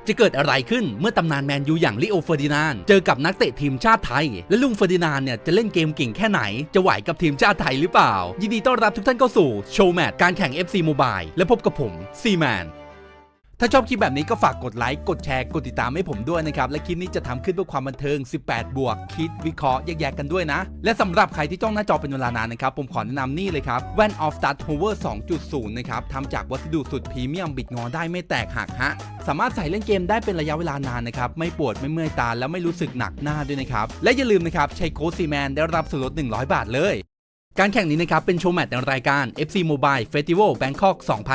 จะเกิดอะไรขึ้นเมื่อตำนานแมนยูอย่างลิโอเฟอร์ดินานด์เจอกับนักเตะทีมชาติไทยและลุงเฟอร์ดินานด์เนี่ยจะเล่นเกมเก่งแค่ไหนจะไหวกับทีมชาติไทยหรือเปล่ายินดีต้อนรับทุกท่านเข้าสู่โชว์แมตช์การแข่ง FC Mobile และพบกับผมซีแมนถ้าชอบคลิปแบบนี้ก็ฝากกดไลค์กดแชร์กดติดตามให้ผมด้วยนะครับและคลิปนี้จะทำขึ้นเพื่อความบันเทิง18บวกคิดวิเคราะห์แยกๆกันด้วยนะและสำหรับใครที่จ้องหน้าจอเป็นเวลานานนะครับผมขอแนะนำนี่เลยครับแว่น Off Start Hover 2.0 นะครับทำจากวัสดุสุดพรีเมียมบิดงอได้ไม่แตกหักฮะสามารถใส่เล่นเกมได้เป็นระยะเวลานานนะครับไม่ปวดไม่เมื่อยตาแล้วไม่รู้สึกหนักหน้าด้วยนะครับและอย่าลืมนะครับใช้โค้ดซีแมนได้รับส่วนลด100 บาทเลยการแข่งนี้นะครับเป็นโชว์แมตช์ในรายการ FC Mobile Festival Bangkok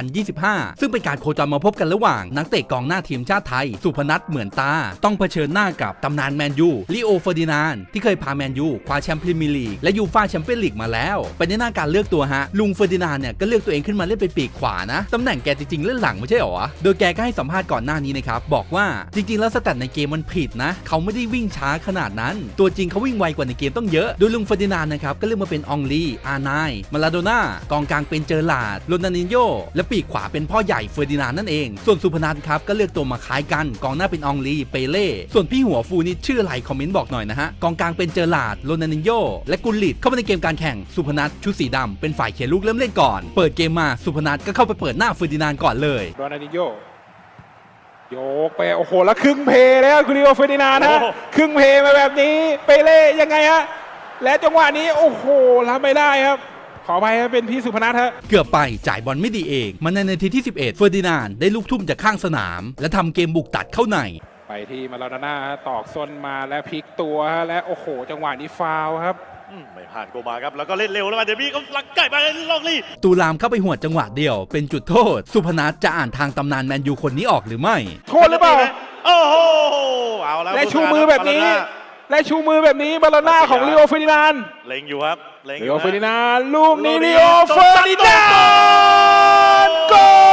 2025 ซึ่งเป็นการโคจรมาพบกันระหว่างนักเตะกองหน้าทีมชาติไทยสุพนัทเหมือนตาต้องเผชิญหน้ากับตำนานแมนยูลิโอเฟอร์ดินานด์ที่เคยพาแมนยูคว้าแชมป์พรีเมียร์ลีกและยูฟ่าแชมเปี้ยนลีกมาแล้วเป็นในหน้าการเลือกตัวฮะลุงเฟอร์ดินานด์เนี่ยก็เลือกตัวเองขึ้นมาเล่นเป็นปีกขวานะตำแหน่งแกจริงๆเล่นหลังไม่ใช่หรอโดยแกก็ให้สัมภาษณ์ก่อนหน้านี้นะครับบอกว่าจริงๆแล้วสแตทในเกมมันผิดนะเขาไม่ได้วิ่งช้าขนาดนั้นตัวจริงเขาวิ่งไวกว่าในเกมต้องเยอะโดยลุงเฟอร์ดินานด์นะครับก็เลือกมาเป็นอองลีอาร์ไนมาลาโดน่ากองกลางเป็นเจอร์ลาร์โรนัลดินโญ่และปีกขวาเป็นพ่อใหญ่เฟอร์ดินานด์นั่นเองส่วนสุพนัทครับก็เลือกตัวมาคล้ายกันกองหน้าเป็นอองลีเปเล่ส่วนพี่หัวฟูนี่ชื่ออะไรคอมเมนต์บอกหน่อยนะฮะกองกลางเป็นเจอร์ลาร์โรนัลดินโญ่และกุลลิตเข้ามาในเกมการแข่งสุพนัทชุดสีดำเป็นฝ่ายเขียนลูกเริ่มเล่นก่อนเปิดเกมมาสุพนัทก็เข้าไปเปิดหน้าเฟอร์ดินานด์ก่อนเลยโรนัลดินโญ่โยกไปโอ้โหแล้วครึ่งเพแล้วคุณลิโอเฟอร์ดินานด์นะครึ่งเพมาแบบนี้เปเล่ยังไงฮะและจังหวะนี้โอ้โหรับไม่ได้ครับขอไปเป็นพี่สุพนัทฮะเกือบไปจ่ายบอลไม่ดีเองมันในนาทีที่11เฟอร์ดินานด์ได้ลูกทุ่มจากข้างสนามและทำเกมบุกตัดเข้าในไปที่มาลาโดน่าตอกส้นมาและพลิกตัวและโอ้โหจังหวะนี้ฟาวครับไม่ผ่านโกมาครับแล้วก็เล่นเร็วแล้วมาเดบี้ก็ลักไก่มาลองลี่ตูลามเข้าไปหัวดจังหวะเดียวเป็นจุดโทษสุพนัทจะอ่านทางตำนานแมนยูคนนี้ออกหรือไม่โทษหรือเปล่าโอ้โหเอาแล้วและชูมือแบบนี้บาลาน่าของลิโอเฟอร์ดินานด์เล็งอยู่ครับลิโอเฟอร์ดินานด์ลูกนี้ลิโอเฟอร์ดินานด์โก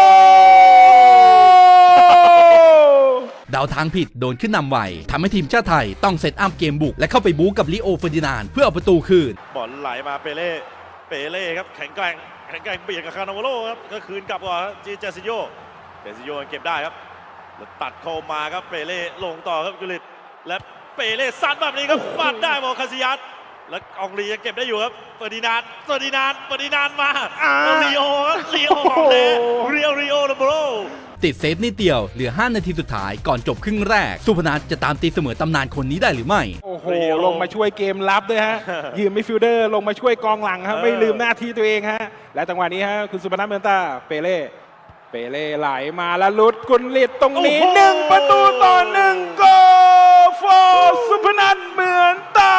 เดาทางผิดโดนขึ้นนำไวทำให้ทีมชาติไทยต้องเซตอัพเกมบุกและเข้าไปบู๊กับลิโอเฟอร์ดินานด์เพื่อเอาประตูคืนบอลไหลมาเปเล่ครับแข็งแกร่งเบียดกับคานาโวโลครับก็คืนกลับก่อนเจซิโยเก็บได้ครับแล้วตัดเข้ามาครับเปเล่ลงต่อครับกุลิตและเปเล่ซัดแบบนี้ครับฟัดได้บอลคาซิยัสแล้วอองลียังเก็บได้อยู่ครับเฟอร์ดินานด์มาลีโอของเรีโอโบโรติดเซฟนิดเดียวเหลือ5นาทีสุดท้ายก่อนจบครึ่งแรกสุพนัทจะตามตีเสมอตำนานคนนี้ได้หรือไม่โอ้โหลงมาช่วยเกมรับด้วยฮะยืมมิดฟิลเดอร์ลงมาช่วยกองหลังครับไม่ลืมหน้าที่ตัวเองฮะและจังหวะนี้ฮะคุณสุพนัทเมืองตาเปเล่ไหลมาแล้วลุดกุลลิตตรงนี้1-1โกฟอร์สุพนัทเมืองตา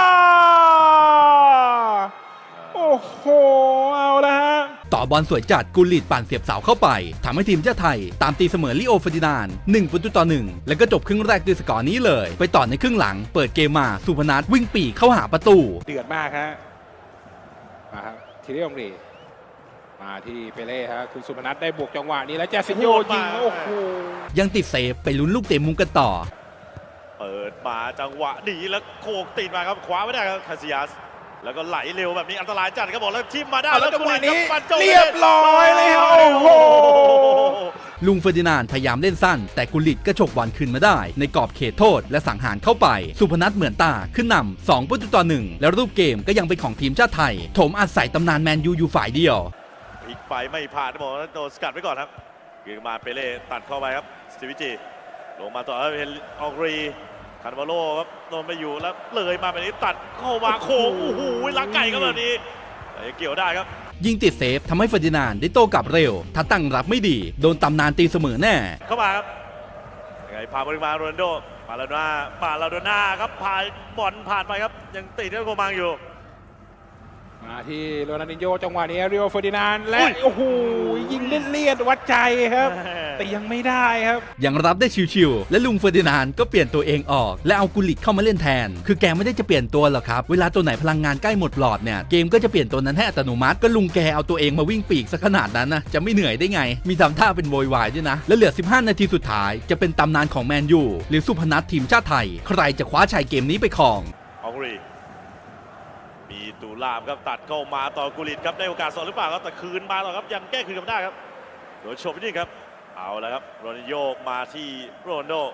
โอ้โหเอาละฮะต่อบอลสวยจัดกุลลิตปั่นเสียบเสาเข้าไปทำให้ทีมชาติไทยตามตีเสมอลิโอเฟอร์ดินานด์1-1แล้วก็จบครึ่งแรกด้วยสกอร์นี้เลยไปต่อในครึ่งหลังเปิดเกมมาสุพนัทวิ่งปี่เข้าหาประตูเดือดมากฮะมาครับทีเรียองรีมาที่เปเล่ฮะคุณสุพนัทได้บวกจังหวะนี้แล้วเจสิโยยิงโอ้โหยังติดเซฟไปลุ้นลูกเตะมุมกันต่อเปิดมาจังหวะดีแล้วโขกตีนมาครับคว้าไม่ได้ครับคาซิยัสแล้วก็ไหลเร็วแบบนี้อันตรายจัดครับบอกแล้วทิมมาได้แล้วจังหวะนี้เรียบร้อยเลยครับโอ้โหลุงเฟอร์ดินานด์พยายามเล่นสั้นแต่กุลลิตก็ฉกบอลคืนมาได้ในกรอบเขตโทษและสังหารเข้าไปสุพนัทเหมือนตาขึ้นนำ2-1แล้วรูปเกมก็ยังเป็นของทีมชาติไทยโถมอัดใส่ตำนานแมนยูอยู่ฝ่ายเดียวอีกไปไม่ผ่านบอกโดนสกัดไว้ก่อนครับเกิดมาเปเล่ตัดเข้าไปครับสติวิจิลงมาต่อแล้วเป็นอองรีคาร์วาโลครับโดนไปอยู่แล้วเลยมาแบบนี้ตัดเข้ามาโค้งโอ้โหลักไก่ก็แบบนี้เกี่ยวได้ครับยิงติดเซฟทำให้เฟอร์ดินานด์ได้โต้กลับเร็วถ้าตั้งรับไม่ดีโดนตำนานตีเสมอแน่เข้ามาครับยังไงพาบอลมาโรนัลโดมาลาโดน่าครับผ่านบอลผ่านไปครับยังติดที่โกมังอยู่มาที่โรนัลดินโญ่จังหวะนี้ริโอเฟอร์ดินานด์และโอ้โหยิงเลี่ยนวัดใจครับแต่ยังไม่ได้ครับยังรับได้ชิวๆและลุงเฟอร์ดินานด์ก็เปลี่ยนตัวเองออกและเอากุลลิตเข้ามาเล่นแทนคือแกไม่ได้จะเปลี่ยนตัวหรอกครับเวลาตัวไหนพลังงานใกล้หมดหลอดเนี่ยเกมก็จะเปลี่ยนตัวนั้นให้อัตโนมัติก็ลุงแกเอาตัวเองมาวิ่งปีกซะขนาดนั้นนะจะไม่เหนื่อยได้ไงมีทำท่าเป็นโวยวายด้วยนะและเหลือ15นาทีสุดท้ายจะเป็นตำนานของแมนยูหรือสุพนัททีมชาติไทยใครจะคว้าชัยเกมนี้ไปครองอองรีมีตูลามครับตัดเข้ามาต่อกุลิตครับได้โอกาสสองหรือเปล่าครับแต่คืนมาต่อครับยังแก้คืนกันได้ครับโดยโชว์ไปนี่ครับเอาแล้วครับโรนัลโญมาที่โรนัลโด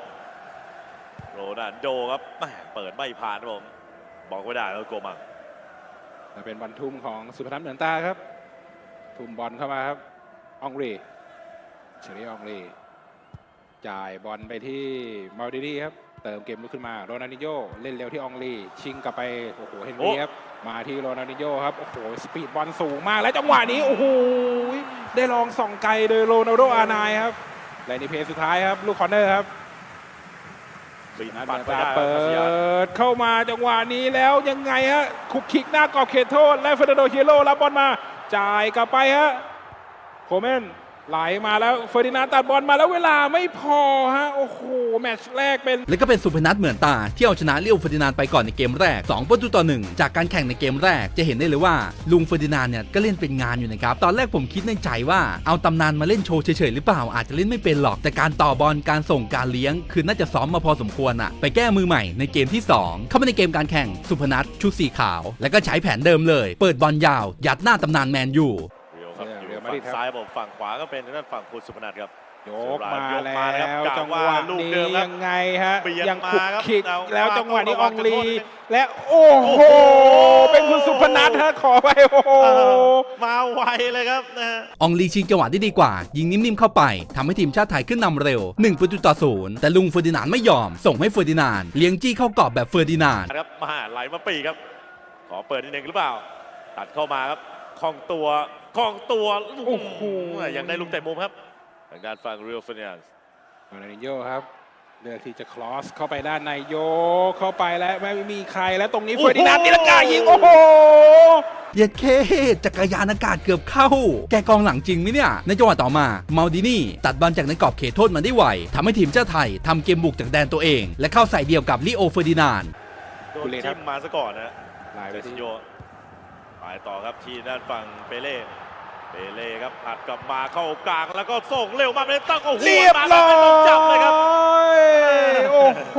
ครับแหม่เปิดไม่ผ่านครับผมบอกไม่ได้แล้วโกมังเป็นบอลทุ่มของสุพนัทเหมือนตาครับทุ่มบอลเข้ามาครับอองรีเชอรี่อองรีจ่ายบอลไปที่มาลดินีครับเติมเกมลุกขึ้นมาโรนัลดินโญ่เล่นเร็วที่อองรีชิงกลับไปโอ้โหเฮนรี่ครับมาที่โรนัลดินโญ่ครับโอ้โหสปีดบอลสูงมากและจังหวะนี้โอ้โหได้ลองส่องไกลโดยโรนัลโดอาร์ไนน์ครับและในเพลย์สุดท้ายครับลูกคอร์เนอร์ครับปัดไปเปิดเข้ามาจังหวะนี้แล้วยังไงฮะคุกคิกหน้ากรอบเขตโทษและเฟอร์นันโดเฮียโร่รับบอลมาจ่ายกลับไปฮะโคเมนไหลมาแล้วเฟอร์ดินานด์ตัดบอลมาแล้วเวลาไม่พอฮะโอ้โหแมตช์แรกเป็นและก็เป็นสุพนัทเหมือนตาที่เอาชนะเลี้ยวเฟอร์ดินานด์ไปก่อนในเกมแรก2-1จากการแข่งในเกมแรกจะเห็นได้เลยว่าลุงเฟอร์ดินานด์เนี่ยก็เล่นเป็นงานอยู่นะครับตอนแรกผมคิดในใจว่าเอาตำนานมาเล่นโชว์เฉยๆหรือเปล่าอาจจะเล่นไม่เป็นหรอกแต่การต่อบอลการส่งการเลี้ยงคือน่าจะซ้อมมาพอสมควรอะไปแก้มือใหม่ในเกมที่2เข้ามาในเกมการแข่งสุพนัทชุดสีขาวแล้วก็ใช้แผนเดิมเลยเปิดบอลยาวยัดหน้าตำนานแมนยูอยู่ฝั่งซ้ายผมฝั่งขวาก็เป็นด้านฝั่งคุณสุพนัทครับโยกมาแล้วจังหวะนี้ยังไงฮะยังคุกคิกแล้วจังหวะนี้อองลีและโอ้โหเป็นคุณสุพนัทฮะขอไปโอ้โหมาไวเลยครับนะฮะอองลีชิงจังหวะได้ดีกว่ายิงนิ่มๆเข้าไปทำให้ทีมชาติไทยขึ้นนำเร็ว1-0แต่ลุงเฟอร์ดินานด์ไม่ยอมส่งให้เฟอร์ดินานด์เลี้ยงจี้เข้ากรอบแบบเฟอร์ดินานด์ครับมาไหลมาปีครับขอเปิดนิดนึงหรือเปล่าตัดเข้ามาครับคล่องตัวโอ้โหยังได้ลูกเตะมุมครับทางด้านฝั่งเรียลเฟอร์นันด์โรนัลดินโญ่ครับเลือกที่จะคลอสเข้าไปด้านในโยกเข้าไปแล้วไม่มีใครแล้วตรงนี้เฟอร์ดินานด์ตีลังกายิงโอ้โหเย็ดเคจักรยานอากาศเกือบเข้าแกกองหลังจริงไหมเนี่ยในจังหวะต่อมามาลดินีตัดบอลจากในกรอบเขตโทษมาได้ไวทำให้ทีมชาติไทยทำเกมบุกจากแดนตัวเองและเข้าใส่เดียวกับลิโอเฟอร์ดินานด์โดนจิ้มมาซะก่อนนะเจสิโยไปต่อครับที่ด้านฝั่งเปเล่ครับผัดกลับมาเข้ากลางแล้วก็ส่งเร็วมาเป็นตั้งโอ้โหเรียบร้อยจับเลยครับโอ้โห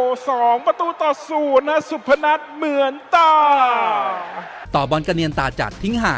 2-0นะสุพนัทเหมือนตาต่อบอลกระเนียนตาจัดทิ้งห่าง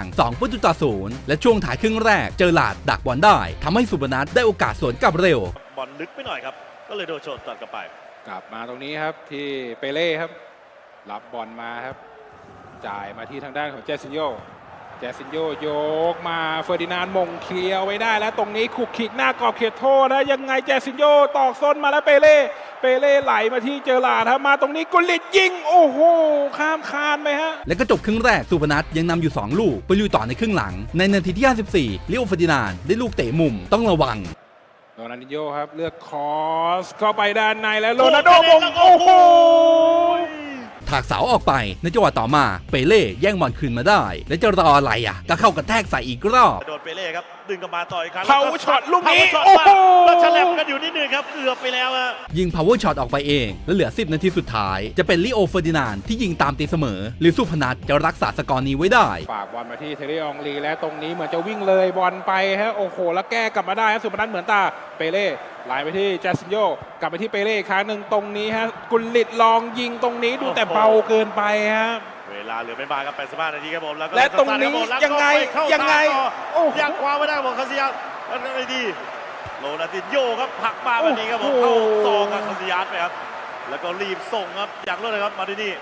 2-0และช่วงถ่ายครึ่งแรกเจอหลาดดักบอลได้ทำให้สุพนัทได้โอกาสสวนกลับเร็วบอลลึกไปหน่อยครับก็เลยโดนโฉบตัดกลับไปกลับมาตรงนี้ครับที่เปเล่ครับรับบอลมาครับจ่ายมาที่ทางด้านของเจสินโยโยกมาเฟอร์ดินานด์มงเคลียร์ไว้ได้แล้วตรงนี้ขุกขิกหน้ากรอบเขตโทษนะยังไงเจสินโยตอกซ้นมาแล้วเปเล่ไหลมาที่เจอหลาดครับมาตรงนี้กุลิตยิงโอ้โหข้ามคานไปฮะแล้วก็จบครึ่งแรกสุพนัทยังนำอยู่2ลูกไปลุยต่อในครึ่งหลังในนาทีที่54ลิโอเฟอร์ดินานด์ได้ลูกเตะมุมต้องระวังโรนัลดินโญ่ครับเลือกคอสเข้าไปด้านในแล้วโรนัลโดมงโอ้โหถากเสาออกไปในจังหวะต่อมาเปเล่แย่งบอลคืนมาได้และจะรออะไรอ่ะก็เข้ากระแทกใส่อีกรอบโดนเปเล่ครับดึงกลับมาต่ออีกครั้ง power shot ลูกนี้โอ้โหแล้วฉลับกันอยู่นิดนึงครับเกือบไปแล้วอะยิง power shot ออกไปเองและเหลือ10นาทีสุดท้ายจะเป็นลิโอเฟอร์ดินานด์ที่ยิงตามตีเสมอหรือสุพนัทจะรักษาสกอร์นี้ไว้ได้ฝากบอลมาที่เทเรอองลีและตรงนี้เหมือนจะวิ่งเลยบอลไปฮะโอ้โหแล้วแก้กลับมาได้ฮะสุพนัทเหมือนตาเปเล่ไหลไปที่เจสินโยกลับไปที่เปเล่ครั้งหนึ่งตรงนี้ฮะกุลิตลองยิงตรงนี้ดูแต่เบาเกินไปฮะเวลาเหลือไม่มากครับ85นาทีครับผมและตรงนี้ยังไงยังคว้าไม่ได้ของคาซิยัสแล้วได้ดีโรนัลดินโญ่ครับผักมาแบบนี้ครับผมเข้าซองกับคาซิยัสไปครับแล้วก็รีบส่งครับอย่างรวดเร็วครับมาดินี่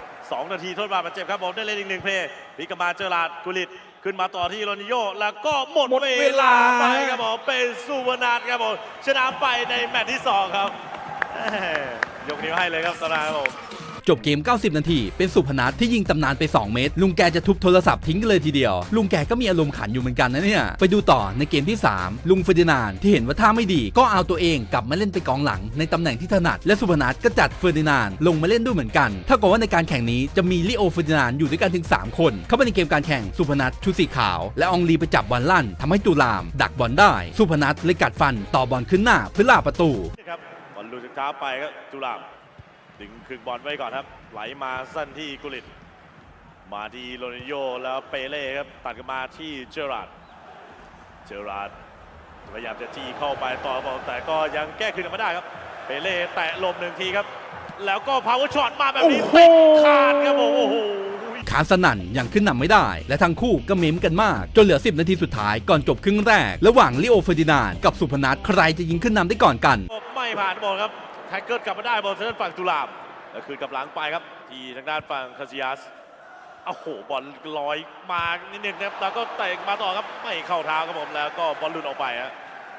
2นาทีโทษบาปเจ็บครับผมได้เล่นอีก1เพลย์พิกมาเจอราดกุลิตขึ้นมาต่อที่โรนัลดินโญ่แล้วก็หมดเวลาไปครับผมเป็นสุพนัทครับผมชนะไปในแมตช์ที่2ครับยกนิ้วให้เลยครับตอนนี้ครับผมจบเกม90นาทีเป็นสุพนัทที่ยิงตำนานไป2เมตรลุงแกจะทุบโทรศัพท์ทิ้งกันเลยทีเดียวลุงแกก็มีอารมณ์ขันอยู่เหมือนกันนะเนี่ยไปดูต่อในเกมที่3ลุงเฟอร์ดินานด์ที่เห็นว่าท่าไม่ดีก็เอาตัวเองกลับมาเล่นไปกองหลังในตำแหน่งที่ถนัดและสุพนัทก็จัดเฟอร์ดินานด์ลงมาเล่นด้วยเหมือนกันเท่ากับว่าในการแข่งนี้จะมีลิโอเฟอร์ดินานด์อยู่ด้วยกันถึง3คนเข้าไปในเกมการแข่งสุพนัทชุดสีขาวและอองลีไปจับบอลลั่นทำให้ตุลามดักบอลได้สุพนัทเลยกัดฟันต่อบอลขึ้นหน้าเพื่อล่าประตูครับบอลลูกเท้าไปครับตุลามดึงคืนบอลไว้ก่อนครับไหลมาสั้นที่กุลิตมาที่โรนัลดินโญ่แล้วเปเล่ครับตัดกันมาที่เจอราร์ดพยายามจะจี้เข้าไปต่อบอลแต่ก็ยังแก้คืนไม่ได้ครับเปเล่แตะลม1ทีครับแล้วก็พาวเวอร์ช็อตมาแบบนี้เตะขาดครับโอ้โหขค้านสนั่นยังขึ้นนำไม่ได้และทั้งคู่ก็เม้มกันมากจนเหลือ10 นาทีสุดท้ายก่อนจบครึ่งแรกระหว่างลิโอเฟอร์ดินานด์กับสุพนัทใครจะยิงขึ้นนำได้ก่อนกันไม่ผ่านบอลครับแท็กเกิลกลับมาได้บอลทางด้านฝั่งตุลาบแล้วคืนกลับหลังไปครับที่ทางด้านฝั่งคาซิยัสโอ้โหบอลลอยมานิดนึงนะครับแล้วก็เตะมาต่อครับไม่เข้าเท้าครับผมแล้วก็บอลหลุดออกไปฮะ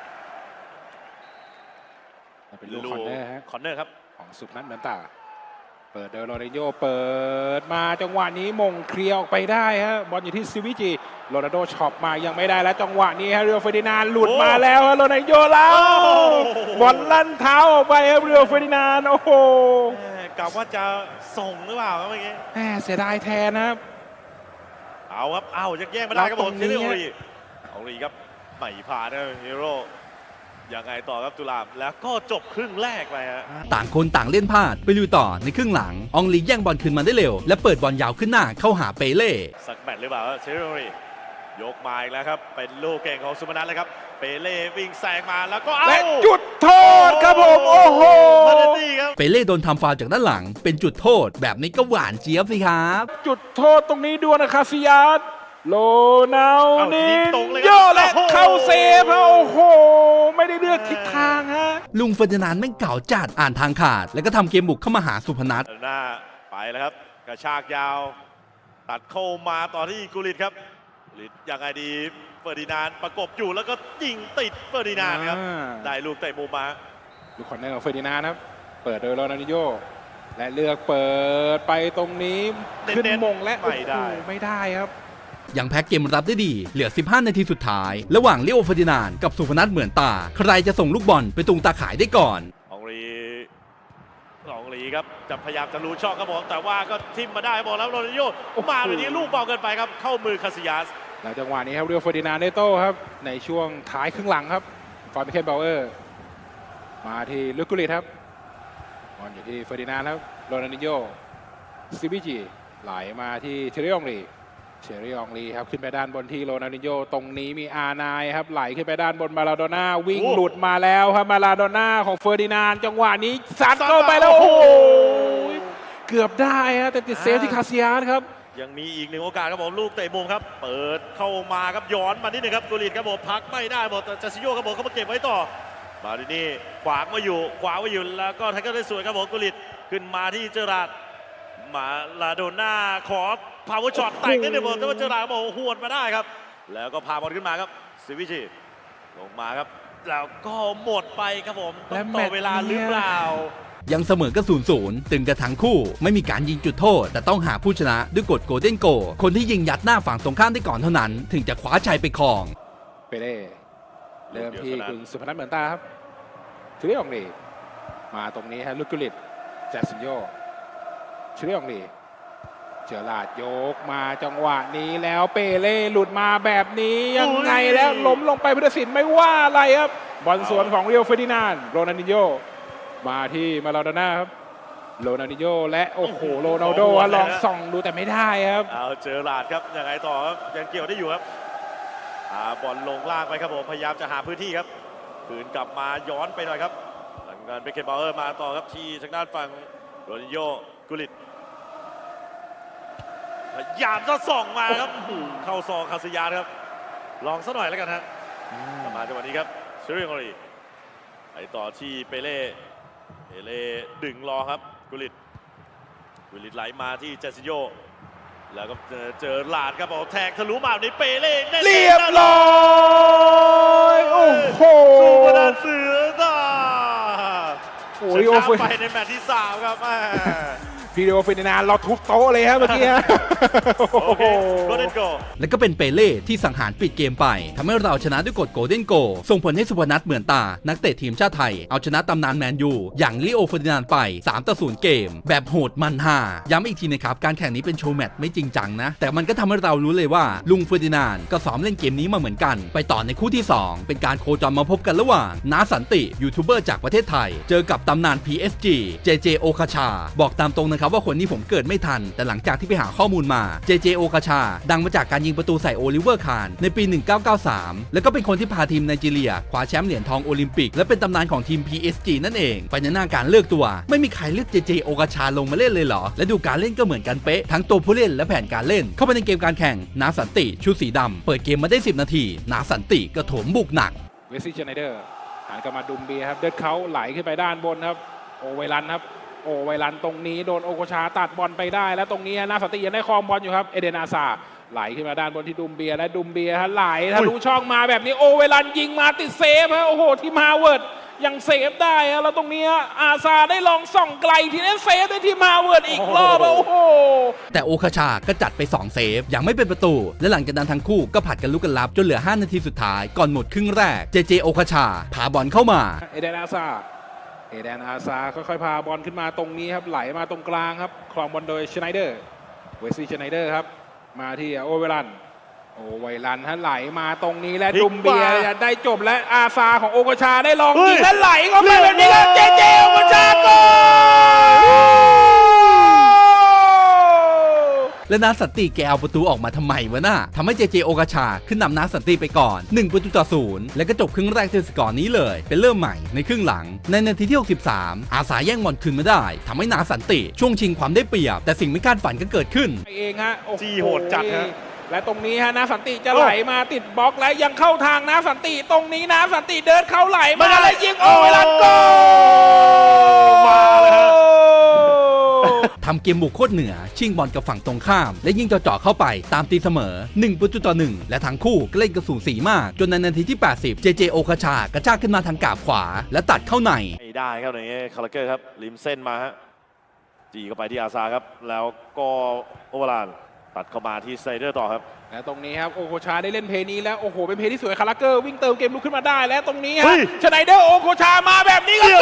เป็นลูกคอนเนอร์ฮะคอนเนอร์ครับของสุพนัทเหมือนตาเปิดโดยโรนัลโญเปิดมาจังหวะนี้มงเคลียร์ออกไปได้ฮะบอลอยู่ที่ซิวิจิโรนัลโญช็อปมายังไม่ได้แล้วจังหวะนี้ฮะเรียวเฟอร์ดินานด์หลุดมาแล้วฮะโรนัลโญแล้วบอลลั่นเท้าออกไปครับเรียวเฟอร์ดินานด์โอ้โหกะว่าจะส่งหรือเปล่าครับเมื่อกี้แหมเสียดายแทนนะครับเอาครับเอายังแย่งไม่ได้ครับผมแล้วตรงนี้เซเรียองรีครับไม่ผ่านนะฮีโร่ยังไงต่อครับตุลาบแล้วก็จบครึ่งแรกไปฮะต่างคนต่างเล่นพลาดไปลุยต่อในครึ่งหลังอองลีแย่งบอลคืนมาได้เร็วและเปิดบอลยาวขึ้นหน้าเข้าหาเปเล่สักแมตช์หรือเปล่าเซเรียองรียกมาอีกแล้วครับเป็นลูกเก่งของสุพนัทเลยครับเปเล่วิ่งแซงมาแล้วก็เอาและจุดโทษครับผมโอ้โหมาเดตี้ครับเปเล่โดนทำฟาวล์จากด้านหลังเป็นจุดโทษแบบนี้ก็หวานเจี๊ยบสิครับจุดโทษตรงนี้ดวลนะคาซิยัสโรนัลเอาดิยิงนตรงเลยโยครับและเข้าเซฟฮะโอ้โห ไม่ได้เลือกทิศทางฮะลุงเฟอร์ดินานด์แม่งเก่าจัดอ่านทางขาด แล้วก็ทำเกมบุกเข้ามาหาสุพนัทหน้าไปแล้วครับกระชากยาว ตัดเข้ามาต่อที่กุลิตครับกุลิตยังไงดีเฟอร์ดินานด์ประกบอยู่แล้วก็ยิงติดเฟอร์ดินานด์ครับได้ลูกเตะมุมมาลูกคอนเนอร์ของเฟอร์ดินานด์ครับ เปิดโดยโรนัลดินโญ่และเลือกเปิดไปตรงนี้ขึ้นมงและไม่ได้โอ้โหไม่ได้ครับยังแพ็กเกมรับได้ดี เหลือ 15 นาทีสุดท้าย ระหว่างลิโอเฟอร์ดินานด์กับสุพนัทเหมือนตา ใครจะส่งลูกบอลไปตุงตาข่ายได้ก่อนองรีครับจะพยายามจะรู้ช่องครับผมแต่ว่าก็ทิมมาได้บอกแล้วโรนัลโญ่มาแบบนี้ลูกเบาเกินไปครับเข้ามือคาซิยัสแล้วจังหวะนี้ครับเรียวเฟอร์ดินานด์ได้โต้ครับในช่วงท้ายครึ่งหลังครับฟอร์มิเคนเบลเออร์มาที่ลูกกุลิตครับบอลอยู่ที่เฟอร์ดินานด์ครับโรนัลดินโญ่ซิบิจิไหลมาที่เทเรองรีครับขึ้นไปด้านบนที่โรนัลดินโญ่ตรงนี้มีอาร์ไนน์ครับไหลขึ้นไปด้านบนมาลาโดน่าวิ่งหลุดมาแล้วครับมาลาโดน่าของเฟอร์ดินานด์จังหวะนี้ซัดเข้าไปแล้วโอ้โหเกือบได้ฮะแต่ติดเซฟที่คาซิยัสครับยังมีอีกหนึ่งโอกาสครับผมลูกเตะมุมครับเปิดเข้ามาครับย้อนมานิดนึงครับกุลิตครับผมพักไม่ได้หมดแต่จัสซิโยครับผมเขามาเก็บไว้ต่อมาดินี่ขวางไว้อยู่แล้วก็ไทเกอร์ได้สวยครับผมกุลิตขึ้นมาที่เจอราร์ดมาลาโดน่าขอพาวเวอร์ช็อตแต่งนิดนึงผมแต่ว่าเจอราร์ดครับผมหวดมาได้ครับแล้วก็พาบอลขึ้นมาครับซิวิชิลงมาครับแล้วก็หมดไปครับผมต้องต่อเวลาหรือเปล่ายังเสมอก็0-0 ตึงกันทั้งคู่ไม่มีการยิงจุดโทษ แต่ต้องหาผู้ชนะด้วยกฎโกลเด้นโกลคนที่ยิงยัดหน้าฝั่งตรงข้ามได้ก่อนเท่านั้น ถึงจะคว้าชัยไปครองเปเล่เริ่มที่คุณสุพนัทเหมือนตาครับเทเรองรีมาตรงนี้ฮะลูกกุลิตแจ็คสันโยเทเรองรีเจอราร์ดยกมาจังหวะนี้แล้วเปเล่หลุดมาแบบนี้ยังไงแล้วล้มลงไปพุทธศิลป์ไม่ว่าอะไรครับบอลสวนของเรียวเฟอร์ดินานด์โรนัลดินโญ่มาที่มาลาโดน่าครับโรนัลดินโญ่และโอ้โหโรนัลโดลองส่องดูแต่ไม่ได้ครับเอาเจอราร์ดครับยังไงต่อครับยังเกี่ยวได้อยู่ครับบอลลงล่างไปครับผมพยายามจะหาพื้นที่ครับคืนกลับมาย้อนไปหน่อยครับหลังการเบคเคนบาวเออร์มาต่อครับที่ทางด้านฝั่งโรนัลโญ่กุลิตพยายามจะส่องมาครับเข้าซองคาซิยาสครับลองซะหน่อยแล้วกันฮะมาจังหวะนี้ครับเชอรี่องรีไปต่อที่เปเล่ดึงรอครับกุลิตไหลมาที่เจสซิโยแล้วก็เจอลาดครับแทงทะลุมาในเปเล่เรียบร้อยโอ้โหสุพนัทเสือตาโอ้ชยโอ้นะโหไปในแมตช์ที่ 3 ครับพี่เรียวเฟอร์ดินานด์เราทุบโต๊ะเลยฮะเมื่อกี้ฮะโอเคโกลเด้นโกและก็เป็นเปเล่ที่สังหารปิดเกมไปทำให้เราชนะด้วยกฎโกลเด้นโกลส่งผลให้สุพนัทเหมือนตา นักเตะทีมชาติไทย เอาชนะตำนานแมนยูอย่างลิโอเฟอร์ดินานด์ไป 3-0 เกม แบบโหดมันฮาย้ำอีกทีนะครับ การแข่งนี้เป็นโชว์แมตช์ไม่จริงจังนะ แต่มันก็ทำให้เรารู้เลยว่าลุงเฟอร์ดินานด์ก็ซ้อมเล่นเกมนี้มาเหมือนกัน ไปต่อในคู่ที่ 2 เป็นการโคจรมาพบกันระหว่างน้าสันติยูทูบเบอร์จากประเทศไทยเจอกับตำนาน PSG JJ โอคาชาบอกตามตรงนะครับครับว่าคนนี้ผมเกิดไม่ทันแต่หลังจากที่ไปหาข้อมูลมา JJ โอกาชาดังมาจากการยิงประตูใส่โอลิเวอร์คานในปี 1993 แล้วก็เป็นคนที่พาทีมไนจีเรียคว้าแชมป์เหรียญทองโอลิมปิกและเป็นตำนานของทีม PSG นั่นเองไปในหน้าการเลือกตัวไม่มีใครเลือก JJ โอกาชาลงมาเล่นเลยเหรอและดูการเล่นก็เหมือนกันเป๊ะทั้งตัวผู้เล่นและแผนการเล่นเข้าไปในเกมการแข่งนาสันติชุดสีดำเปิดเกมมาได้10 นาทีนาสันติก็โถมบุกหนักเวสซี่เชไนเดอร์หันกลับมาดุมเบียครับเดินเขาไหลขึ้นไปด้านบนครับโอไวรันครับโอไวรันตรงนี้โดนโอโกชาตัดบอลไปได้แล้วตรงนี้นาสันติยังได้ครองบอลอยู่ครับเอเดนอาซาไหลขึ้นมาด้านบนที่ดุมเบียและดุมเบียฮะไหลทะลุช่องมาแบบนี้โอเวรันยิงมาติดเซฟฮะโอ้โหที่มาเวิร์ดยังเซฟได้ฮะแล้วตรงนี้อาซาได้ลองส่องไกลทีนี้เซฟได้ที่มาเวิร์ดอีกรอบโอ้โหแต่โอคาชาก็จัดไป2เซฟยังไม่เป็นประตูและหลังจากนั้นทั้งคู่ก็ผัดกันลุกกันรับจนเหลือ5 นาทีสุดท้ายก่อนหมดครึ่งแรก JJ โอคาชาพาบอลเข้ามาเอเดนอาซาค่อยๆพาบอลขึ้นมาตรงนี้ครับไหลมาตรงกลางครับครองบอลโดยชไนเดอร์เวสซี่ชไนเดอร์ครับมาที่โอเวรันฮะไหลมาตรงนี้และดุมเบียได้จบและอาซาของโอโกชาได้ลองยิงและไหลเข้าไปแบบนี้แล้วเจโอโกชาโกและนาสันติแกเอาประตูออกมาทำไมวะน่ะทำให้ JJ โอกาชาขึ้นนำนาสันติไปก่อน1-0แล้วก็จบครึ่งแรกด้วยสกอร์นี้เลยเป็นเริ่มใหม่ในครึ่งหลังในนาทีที่63อาซาแย่งบอลคืนมาได้ทำให้นาสันติช่วงชิงความได้เปรียบแต่สิ่งไม่คาดฝันก็เกิดขึ้นเองฮะจี้โหดจัดฮะและตรงนี้ฮะนาสันติจะไหลมาติดบล็อกและยังเข้าทางนาสันติตรงนี้นาสันติเดินเข้าไหลมาแล้วยิงโอเวรันโกมาเลยฮะทำเกมบุกโคตรเหนือชิงบอลกับฝั่งตรงข้ามและยิงจ่อๆเข้าไปตามตีเสมอ1-1และทั้งคู่ก็เล่นกระสูสีมากจนในนาทีที่80 JJ โอคาชากระชากขึ้นมาทางกาบขวาและตัดเข้าในไม่ได้ครับในนี้คาราเกอร์ครับริมเส้นมาฮะจีเข้าไปที่อาซาครับแล้วก็โอเวอร์ลานตัดเข้ามาที่ไซเดอร์ต่อครับและตรงนี้ครับโอโกชาได้เล่นเพลย์นี้แล้วโอ้โหเป็นเพลย์ที่สวยคาราเกอร์วิ่งเติมเกมลุกขึ้นมาได้และตรงนี้ฮะชไนเดอร์โอโกชามาแบบนี้ก็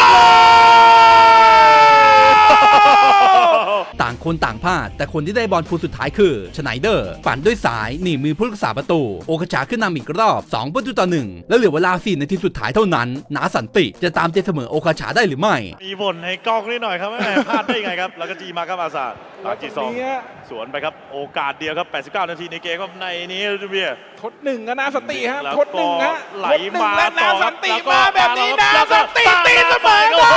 ต่างคนต่างพลาดแต่คนที่ได้บอลคู่สุดท้ายคือชไนเดอร์ปั่นด้วยสายหนีมือผู้รักษาประตูโอคาชาขึ้นนำอีกรอบ2-1แล้วเหลือเวลา4 นาทีสุดท้ายเท่านั้นนาสันติจะตามเจเสมอโอคาชาได้หรือไม่มีบ่นให้กล้องนิดหน่อยครับพลาดได้ยังไงครับแล้วก็จีมาครับอาซาจีซองสวนไปครับโอกาสเดียวครับ89 นาทีในเกมครับในนี้ดูเบียทด1นะนาสันติฮะทด1ฮะไหลมานาสันติมาแบบนี้นาสันติตีเสมอได้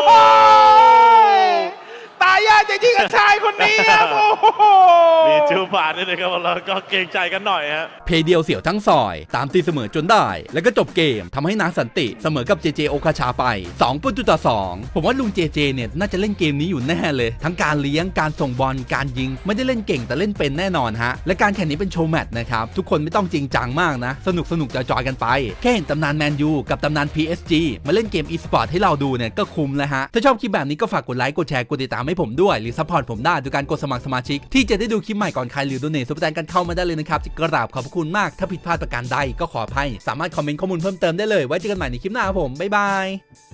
ตายยากจริงๆกับชายคนนี้ครับโอ้โหมีจูบาดด้วยนะครับแล้วก็เกรงใจกันหน่อยฮะเพย์เดียวเสี่ยวทั้งซอยตามตีเสมอจนได้แล้วก็จบเกมทำให้นาสันติเสมอกับ JJ โอคาชาไป2-2ผมว่าลุง JJ เนี่ยน่าจะเล่นเกมนี้อยู่แน่เลยทั้งการเลี้ยงการส่งบอลการยิงไม่ได้เล่นเก่งแต่เล่นเป็นแน่นอนฮะและการแข่งนี้เป็นโชว์แมตช์นะครับทุกคนไม่ต้องจริงจังมากนะสนุกจอยกันไปแค่เห็นตำนานแมนยูกับตำนาน PSG มาเล่นเกม e-sport ให้เราดูเนี่ยก็คุ้มแล้วฮะถ้าชอบคลิปแบบนี้ก็ฝากกดไลค์กดแชร์กดติดตามให้ผมด้วยหรือซัพพอร์ตผมได้โดยการกดสมัครสมาชิกที่จะได้ดูคลิปใหม่ก่อนใครหรือโดเนทซุปเปอร์แตงกันเข้ามาได้เลยนะครับกราบขอบคุณมากถ้าผิดพลาดประการใดก็ขออภัยสามารถคอมเมนต์ข้อมูลเพิ่มเติมได้เลยไว้เจอกันใหม่ในคลิปหน้าครับผมบ๊ายบาย